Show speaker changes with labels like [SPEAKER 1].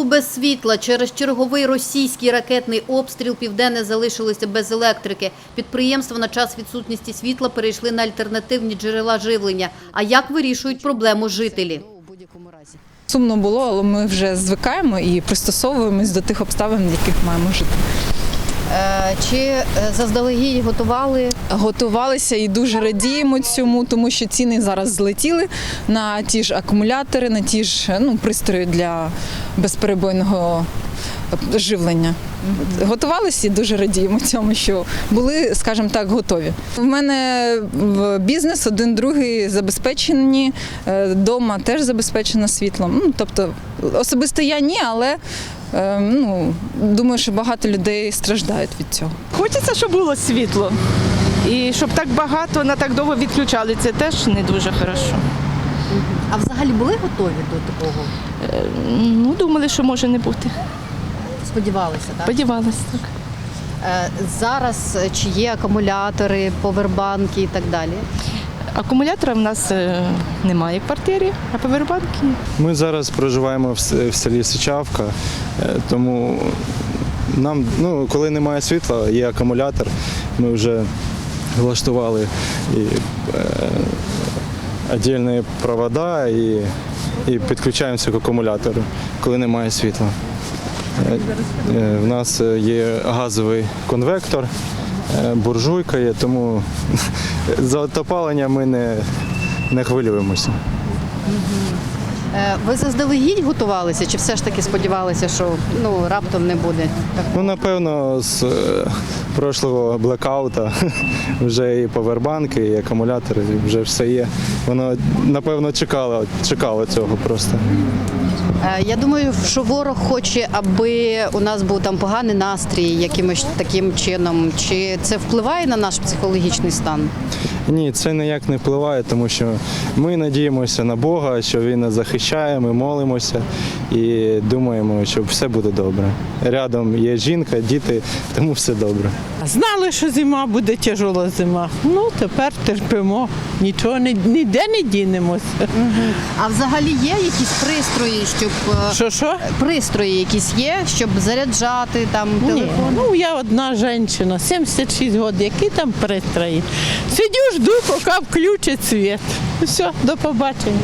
[SPEAKER 1] без світла. Через черговий російський ракетний обстріл Південне залишилося без електрики. Підприємства на час відсутності світла перейшли на альтернативні джерела живлення. А як вирішують проблему жителі?
[SPEAKER 2] Сумно було, але ми вже звикаємо і пристосовуємось до тих обставин, в яких маємо жити.
[SPEAKER 1] Чи заздалегідь готували?
[SPEAKER 2] Готувалися і дуже радіємо цьому, тому що ціни зараз злетіли на ті ж акумулятори, на ті ж пристрої для безперебойного живлення. Готувалися і дуже радіємо цьому, що були, скажімо так, готові. В мене бізнес, один другий забезпечені, вдома теж забезпечено світлом. Тобто особисто я ні, але думаю, що багато людей страждають від цього.
[SPEAKER 3] Хочеться, щоб було світло. І щоб так багато, на так довго відключали, це теж не дуже хорошо.
[SPEAKER 1] А взагалі були готові до такого?
[SPEAKER 3] Думали, що може не бути.
[SPEAKER 1] Сподівалися, так?
[SPEAKER 3] Сподівалися, так.
[SPEAKER 1] Зараз чи є акумулятори, повербанки і так далі?
[SPEAKER 3] Акумулятора в нас немає в квартирі, а повербанки є.
[SPEAKER 4] Ми зараз проживаємо в селі Сичавка, тому нам, коли немає світла, є акумулятор, ми вже влаштували і віддільні провода і підключаємося к акумулятору, коли немає світла. У нас є газовий конвектор, буржуйка є, тому за опалення ми не хвилюємося.
[SPEAKER 1] Ви заздалегідь готувалися чи все ж таки сподівалися, що раптом не буде?
[SPEAKER 4] Напевно, з прошлого блекаута вже і повербанки, і акумулятори, вже все є. Воно, напевно, чекало цього просто.
[SPEAKER 1] Я думаю, що ворог хоче, аби у нас був там поганий настрій якимось таким чином. Чи це впливає на наш психологічний стан?
[SPEAKER 4] Ні, це ніяк не впливає, тому що ми надіємося на Бога, що Він нас захищає, ми молимося і думаємо, що все буде добре. Рядом є жінка, діти, тому все добре.
[SPEAKER 5] Знали, що зима буде тяжела зима. Тепер терпимо, нічого ніде не дінемося.
[SPEAKER 1] А взагалі є якісь пристрої, щоб
[SPEAKER 5] Що?
[SPEAKER 1] пристрої якісь є, щоб заряджати там телефон?
[SPEAKER 5] Я одна жінка, 76 років, які там пристрої? Сидю, жду, поки включить світ. Все, до побачення.